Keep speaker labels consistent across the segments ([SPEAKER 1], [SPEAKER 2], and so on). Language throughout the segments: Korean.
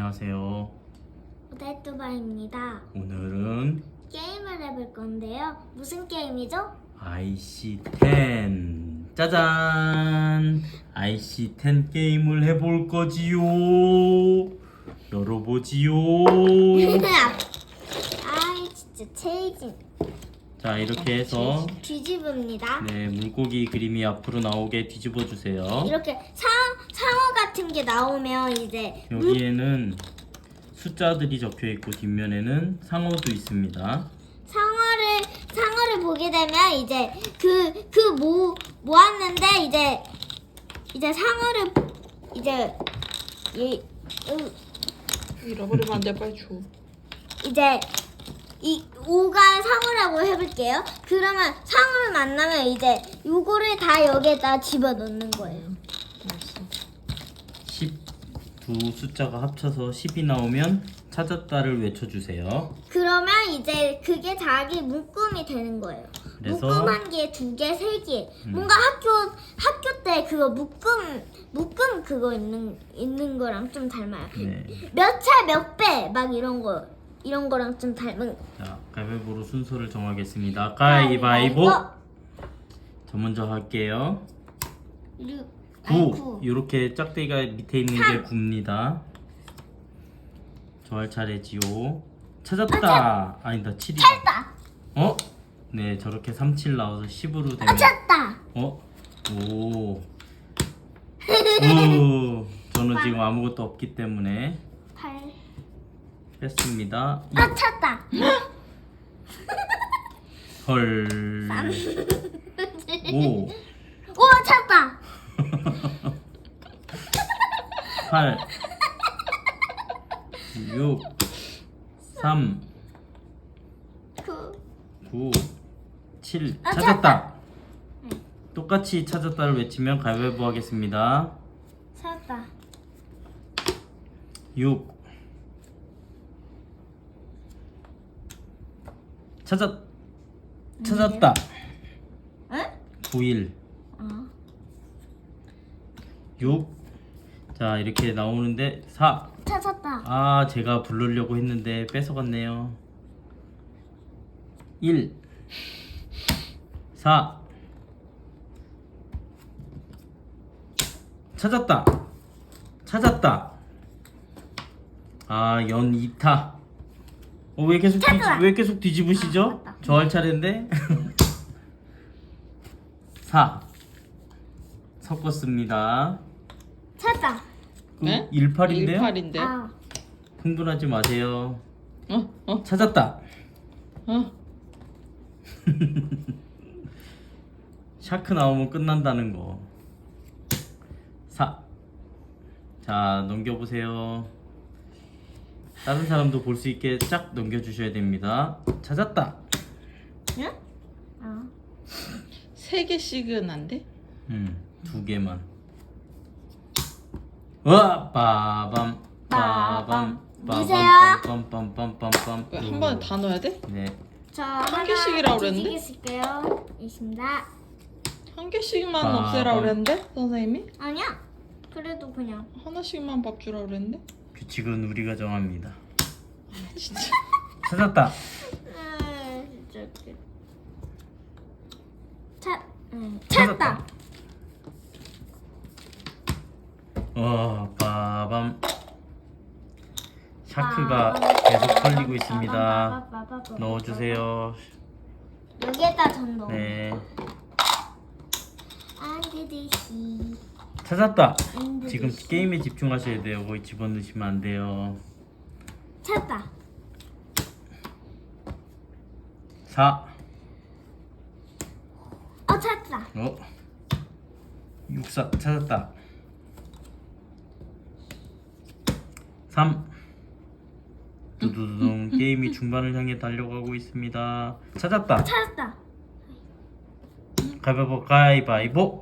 [SPEAKER 1] 안녕하세요.
[SPEAKER 2] 오데뚜바입니다.
[SPEAKER 1] 오늘은
[SPEAKER 2] 게임을 해볼 건데요. 무슨 게임이죠?
[SPEAKER 1] IC10 짜잔! IC10 게임을 해볼 거지요. 열어보지요.
[SPEAKER 2] 아이 진짜 체이진.
[SPEAKER 1] 자, 이렇게 해서
[SPEAKER 2] 뒤집읍니다.
[SPEAKER 1] 네, 물고기 그림이 앞으로 나오게 뒤집어 주세요.
[SPEAKER 2] 이렇게 상어 같은 게 나오면 이제
[SPEAKER 1] 여기에는 숫자들이 적혀 있고 뒷면에는 상어도 있습니다.
[SPEAKER 2] 상어를 보게 되면 이제 모았는데 이제 상어를 이제
[SPEAKER 3] 잃어버리면 안 돼, 빨리 줘.
[SPEAKER 2] 이제 이 5가 상어라고 해볼게요. 그러면 상어를 만나면 이제 요거를 다 여기에다 집어넣는 거예요.
[SPEAKER 3] 알았어.
[SPEAKER 1] 12 숫자가 합쳐서 10이 나오면 찾았다를 외쳐주세요.
[SPEAKER 2] 그러면 이제 그게 자기 묶음이 되는 거예요.
[SPEAKER 1] 그래서
[SPEAKER 2] 묶음 한 개, 두 개, 세 개. 뭔가 학교 때 그거 묶음 그거 있는 거랑 좀 닮아요.
[SPEAKER 1] 네.
[SPEAKER 2] 몇 차 몇 배 막 이런 거랑 좀 닮은.
[SPEAKER 1] 자, 가위바위보로 순서를 정하겠습니다. 가위바위보. 저 먼저 할게요. 9. 이렇게 짝대기가 밑에 있는 게 9입니다. 저 할 차례지요. 찾았다. 아니다, 7이다.
[SPEAKER 2] 찾았다.
[SPEAKER 1] 어? 네, 저렇게 3, 7 나와서 10으로 되면
[SPEAKER 2] 찾았다.
[SPEAKER 1] 어? 오. 오. 저는 지금 아무것도 없기 때문에
[SPEAKER 2] 8.
[SPEAKER 1] 뺐습니다.
[SPEAKER 2] 찾았다.
[SPEAKER 1] 헐. 5.
[SPEAKER 2] 오, 찾았다.
[SPEAKER 1] 8 6 3
[SPEAKER 2] 9.
[SPEAKER 1] 9 7 찾았다. 똑같이 찾았다를 외치면 가위바위보 하겠습니다.
[SPEAKER 2] 찾았다.
[SPEAKER 1] 6 찾았다.
[SPEAKER 2] 응?
[SPEAKER 1] 9일
[SPEAKER 2] 어.
[SPEAKER 1] 6 자, 이렇게 나오는데 4
[SPEAKER 2] 찾았다.
[SPEAKER 1] 아, 제가 부르려고 했는데 뺏어갔네요. 1 4 찾았다. 아, 연 2타. 왜 계속 뒤집으시죠?
[SPEAKER 2] 맞다.
[SPEAKER 1] 저 할 차례인데. 4 섞었습니다.
[SPEAKER 2] 찾았다.
[SPEAKER 3] 네?
[SPEAKER 1] 18인데요?
[SPEAKER 3] 18인데.
[SPEAKER 2] 아,
[SPEAKER 1] 흥분하지 마세요.
[SPEAKER 3] 어?
[SPEAKER 1] 찾았다.
[SPEAKER 3] 어?
[SPEAKER 1] 샤크 나오면 끝난다는 거. 4. 자, 넘겨보세요. 다른 사람도 볼 수 있게 쫙 넘겨주셔야 됩니다. 찾았다.
[SPEAKER 2] 응? 어.
[SPEAKER 3] 3개씩은 안 돼?
[SPEAKER 1] 2개만. 와, 빠밤, 빠밤,
[SPEAKER 2] 누구세요?
[SPEAKER 1] 빠밤, 빰빰빰빰빰빰.
[SPEAKER 3] 왜 한 번에 다 넣어야 돼?
[SPEAKER 1] 네.
[SPEAKER 2] 저
[SPEAKER 3] 한 개씩이라고 그랬는데?
[SPEAKER 2] 뒤지겠을게요. 있습니다.
[SPEAKER 3] 한 개씩만
[SPEAKER 1] 아,
[SPEAKER 3] 없애라
[SPEAKER 1] 아.
[SPEAKER 3] 그랬는데? 선생님이?
[SPEAKER 2] 아니야. 그래도 그냥.
[SPEAKER 3] 하나씩만 밥 주라 그랬는데?
[SPEAKER 1] 규칙은 우리가 정합니다.
[SPEAKER 3] 진짜.
[SPEAKER 1] 찾았다.
[SPEAKER 2] 진짜 웃겨. 찾았다.
[SPEAKER 1] 빠밤. 샤크가 계속 걸리고 있습니다. 넣어주세요.
[SPEAKER 2] 여기에다 전 넣어.
[SPEAKER 1] 네.
[SPEAKER 2] 안드듯이.
[SPEAKER 1] 찾았다. 지금 게임에 집중하셔야 돼요. 거기 집어넣으시면 안 돼요.
[SPEAKER 2] 찾았다.
[SPEAKER 1] 4.
[SPEAKER 2] 찾았다.
[SPEAKER 1] 64 찾았다. 3. 두두두둥. 게임이 중반을 향해 달려가고 있습니다. 찾았다.
[SPEAKER 2] 찾았다.
[SPEAKER 1] 가위바위보.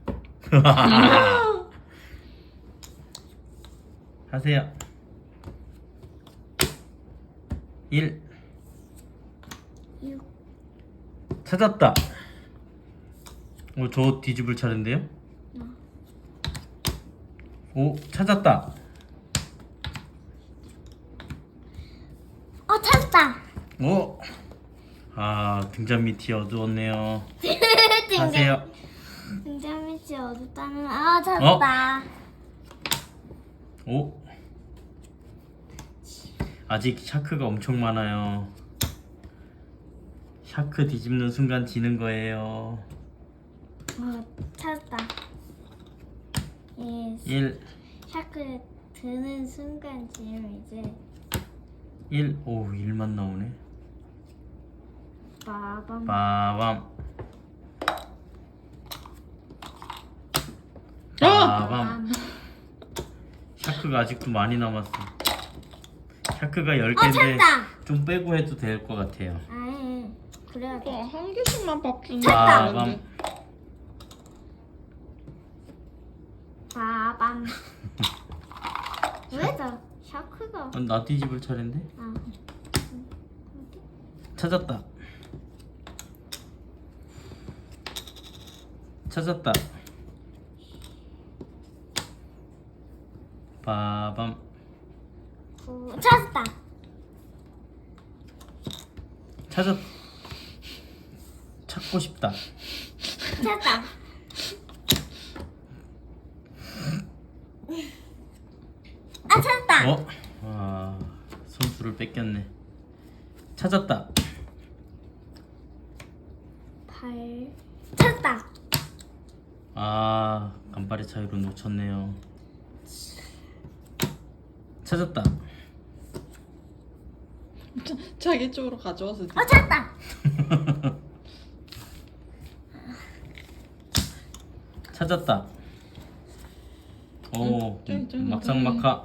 [SPEAKER 1] 하세요. 1
[SPEAKER 2] 6.
[SPEAKER 1] 찾았다. 저 뒤집을 차례인데요? 오, 찾았다. 오! 아, 등잔 밑이 어두웠네요. 하세요.
[SPEAKER 2] 등잔 밑이 어둡다는. 아, 찾았다.
[SPEAKER 1] 오! 아직 샤크가 엄청 많아요. 샤크 뒤집는 순간 지는 거예요.
[SPEAKER 2] 찾았다. 예.
[SPEAKER 1] 1,
[SPEAKER 2] 샤크 드는 순간 지금 이제
[SPEAKER 1] 1. 오, 1만 나오네.
[SPEAKER 2] 빠밤.
[SPEAKER 1] 빠밤.
[SPEAKER 3] 아!
[SPEAKER 1] 빠밤. 샤크가 아직도 많이 남았어. 샤크가
[SPEAKER 2] 어,
[SPEAKER 1] 10개인데
[SPEAKER 2] 찾았다.
[SPEAKER 1] 좀 빼고 해도 될 것 같아요.
[SPEAKER 2] 아예 그래야 돼.
[SPEAKER 3] 한 개씩만 밥 주는
[SPEAKER 2] 찾았다.
[SPEAKER 1] 빠밤.
[SPEAKER 2] 빠밤. 왜다 샤크가?
[SPEAKER 1] 나 뒤집을 차례인데?
[SPEAKER 2] 아,
[SPEAKER 1] 찾았다. 찾았다. 빠밤.
[SPEAKER 2] 찾았다.
[SPEAKER 1] 찾고 싶다.
[SPEAKER 2] 찾았다. 아, 찾았다.
[SPEAKER 1] 어? 아, 선수를 뺏겼네. 찾았다.
[SPEAKER 2] 찾았다.
[SPEAKER 1] 아, 간발의 차이로 놓쳤네요. 찾았다.
[SPEAKER 3] 자기 쪽으로 가져와서
[SPEAKER 2] 찾았다.
[SPEAKER 1] 찾았다. 오, 막상막하.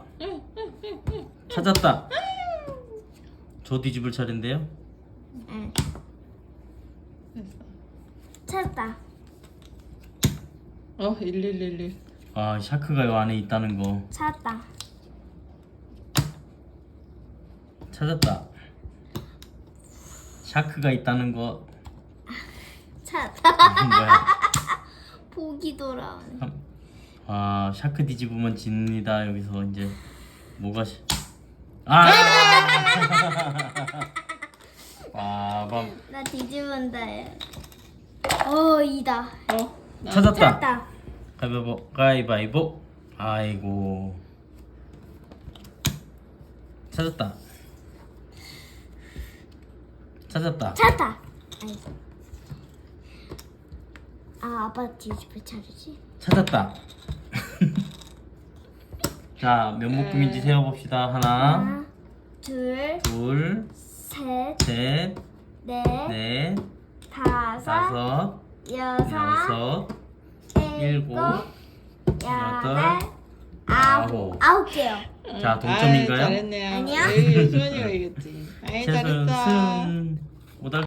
[SPEAKER 1] 찾았다. 저 뒤집을 차례인데요.
[SPEAKER 2] 응.
[SPEAKER 3] 됐어.
[SPEAKER 2] 찾았다.
[SPEAKER 3] 1111.
[SPEAKER 1] 아, 샤크가 이 안에 있다는 거.
[SPEAKER 2] 찾았다.
[SPEAKER 1] 찾았다. 샤크가 있다는 거.
[SPEAKER 2] 찾았다.
[SPEAKER 1] 뭐야?
[SPEAKER 2] 보기 돌아오네.
[SPEAKER 1] 아, 샤크 뒤집으면 집니다. 여기서 이제 뭐가 아! 빠밤.
[SPEAKER 2] 나 뒤집은다. 얘. 이다.
[SPEAKER 1] 찾았다.
[SPEAKER 2] 찾았다.
[SPEAKER 1] 가위바위보. 가위바위보. 아이고. 찾았다. 찾았다.
[SPEAKER 2] 찾았다. 아니. 아, 아빠 뒤집을 차례지?
[SPEAKER 1] 찾았다. 자, 몇 묶음인지 세어봅시다. 하나,
[SPEAKER 2] 둘,
[SPEAKER 1] 둘,
[SPEAKER 2] 셋,
[SPEAKER 1] 셋,
[SPEAKER 2] 넷,
[SPEAKER 1] 넷,
[SPEAKER 2] 다섯,
[SPEAKER 1] 다섯,
[SPEAKER 2] 여섯,
[SPEAKER 1] 일곱,
[SPEAKER 2] 일곱,
[SPEAKER 1] 여덟,
[SPEAKER 2] 여덟,
[SPEAKER 1] 아홉.
[SPEAKER 2] 아홉 개요.
[SPEAKER 1] 자, 동점인가요?
[SPEAKER 3] 잘했네요.
[SPEAKER 2] 아니야.
[SPEAKER 3] 수현이가 이겼지. 아이,
[SPEAKER 1] 최선
[SPEAKER 3] 잘했어.
[SPEAKER 1] 승.